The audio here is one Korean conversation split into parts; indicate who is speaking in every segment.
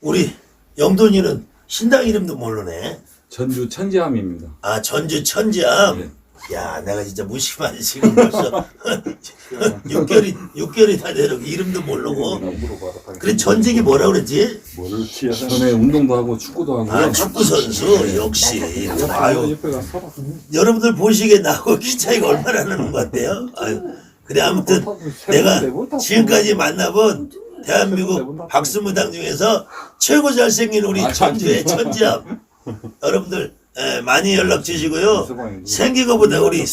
Speaker 1: 우리 영돈이는 신당 이름도 모르네.
Speaker 2: 전주 천지암입니다.
Speaker 1: 아, 전주 천지암.
Speaker 2: 네.
Speaker 1: 야, 내가 진짜 무심하지 지금 벌써 6개월이 다 되는 이름도 모르고. 그래 전직이 뭐라 그랬지?
Speaker 2: 전에 운동도 하고 축구도 하고.
Speaker 1: 아, 축구 선수 역시. 아유, 여러분들 보시기에 나하고 키 차이가 얼마나 나는 것 같아요. 아유, 그래 아무튼 내가 지금까지 만나본 대한민국 박수무당 중에서 최고 잘생긴 우리 전주의 천지암 여러분들 많이 연락 주시고요. 생긴 것보다 우리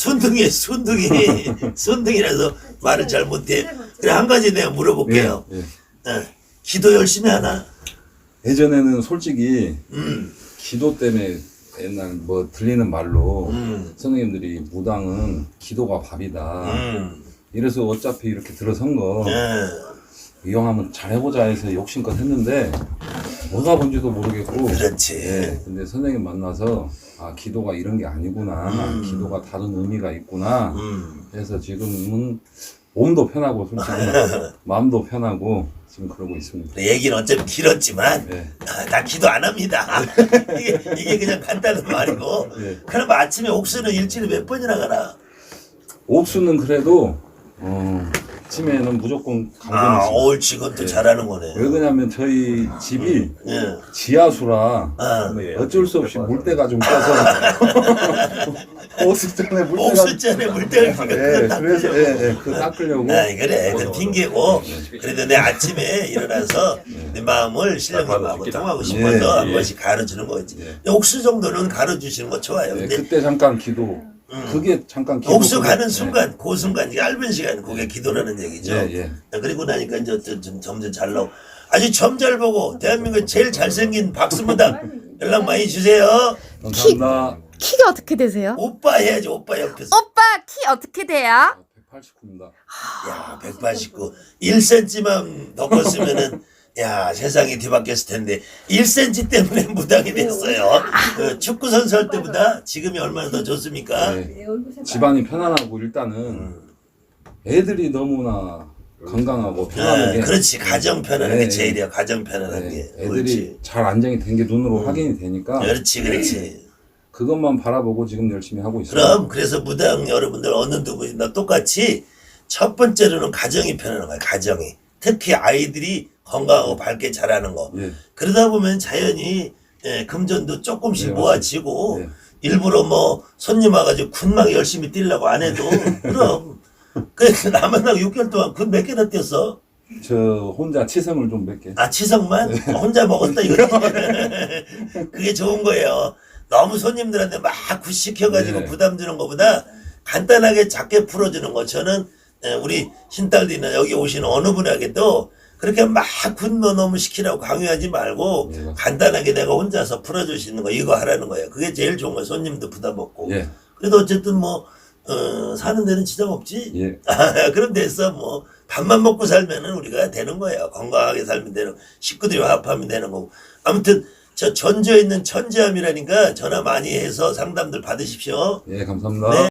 Speaker 1: 순둥이라서 말을 잘 못해. 그래 한 가지 내가 물어볼게요. 기도 열심히 하나?
Speaker 2: 예전에는 솔직히 기도 때문에 옛날 뭐 들리는 말로 선생님들이 무당은 기도가 밥이다. 이래서 어차피 이렇게 들어선 거 이왕하면 잘해보자 해서 욕심껏 했는데 뭐가 뭔지도 모르겠고.
Speaker 1: 그렇지.
Speaker 2: 근데 선생님 만나서 아 기도가 이런 게 아니구나. 기도가 다른 의미가 있구나. 그래서 지금은 몸도 편하고 솔직히 마음도 편하고 지금 그러고 있습니다.
Speaker 1: 얘기는 어차피 길었지만 나 기도 안 합니다. 이게 그냥 간단한 말이고. 그럼 아침에 옥수는 일주일에 몇 번이나 가나?
Speaker 2: 옥수는 그래도 아침에는 무조건
Speaker 1: 아,
Speaker 2: 강변이지.
Speaker 1: 옳지. 그것도 잘하는 거네.
Speaker 2: 왜 그러냐면 저희 집이 지하수라 어쩔 수 없이 물때가 좀 껴서 옥수전에
Speaker 1: 물때가
Speaker 2: 그래서 그거 닦으려고.
Speaker 1: 그래. 그 핑계고. 그래도 내 아침에 일어나서 내 마음을 신령님하고 통하고 싶어서 한 번씩 가르치는 거지. 옥수 정도는 가르치시는 거 좋아요. 근데
Speaker 2: 그때 잠깐 기도. 그게 잠깐 기도.
Speaker 1: 옥수 가는 순간, 그 순간, 얇은 시간, 그게 기도라는 얘기죠. 그리고 나니까 이제 점점 잘 나오고. 아주 점 잘 보고, 대한민국 제일 잘생긴 박수무당 연락 많이 주세요.
Speaker 2: 감사합니다.
Speaker 3: 키가 어떻게 되세요?
Speaker 1: 오빠 해야지, 오빠 옆에서.
Speaker 3: 오빠 키 어떻게 돼요?
Speaker 2: 189입니다.
Speaker 1: 야, 189. 1cm만 더 컸으면은, 야, 세상이 뒤바뀌었을 텐데, 1cm 때문에 무당이 됐어요. 그 축구 선수 할 때보다 지금이 얼마나 더 좋습니까?
Speaker 2: 집안이 편안하고 일단은 애들이 너무나 건강하고 편안하게.
Speaker 1: 그렇지. 가정 편안한 게 제일이야. 가정 편안한 게.
Speaker 2: 애들이
Speaker 1: 그렇지.
Speaker 2: 잘 안정이 된 게 눈으로 확인이 되니까.
Speaker 1: 그렇지.
Speaker 2: 그것만 바라보고 지금 열심히 하고 있어요.
Speaker 1: 그래서 무당 여러분들 어느 누구나 똑같이 첫 번째로는 가정이 편안한 거야. 가정이. 특히 아이들이 건강하고 밝게 자라는 거. 그러다 보면 자연히 금전도 조금씩 모아지고 일부러 뭐 손님 와가지고 군막 열심히 뛰려고 안 해도 그럼. 그래서 나만 나고 6개월 동안 군 몇 개나 뛰었어?
Speaker 2: 저 혼자 치성을 좀 몇 개.
Speaker 1: 아, 치성만? 혼자 먹었다 이거지. 그게 좋은 거예요. 너무 손님들한테 막 굿시켜가지고 부담 주는 것보다 간단하게 작게 풀어주는 거. 저는 우리 신딸들이나 여기 오시는 어느 분에게도 그렇게 막 굿노 너무 시키라고 강요하지 말고 간단하게 내가 혼자서 풀어주시는 거 이거 하라는 거예요. 그게 제일 좋은 거예요. 손님도 부담 없고. 그래도 어쨌든 뭐 사는 데는 지장 없지. 그럼 됐어. 뭐 밥만 먹고 살면은 우리가 되는 거예요. 건강하게 살면 되는, 식구들이 화합하면 되는 거고. 아무튼 저 전주에 있는 천지암이라니까 전화 많이 해서 상담들 받으십시오.
Speaker 2: 감사합니다.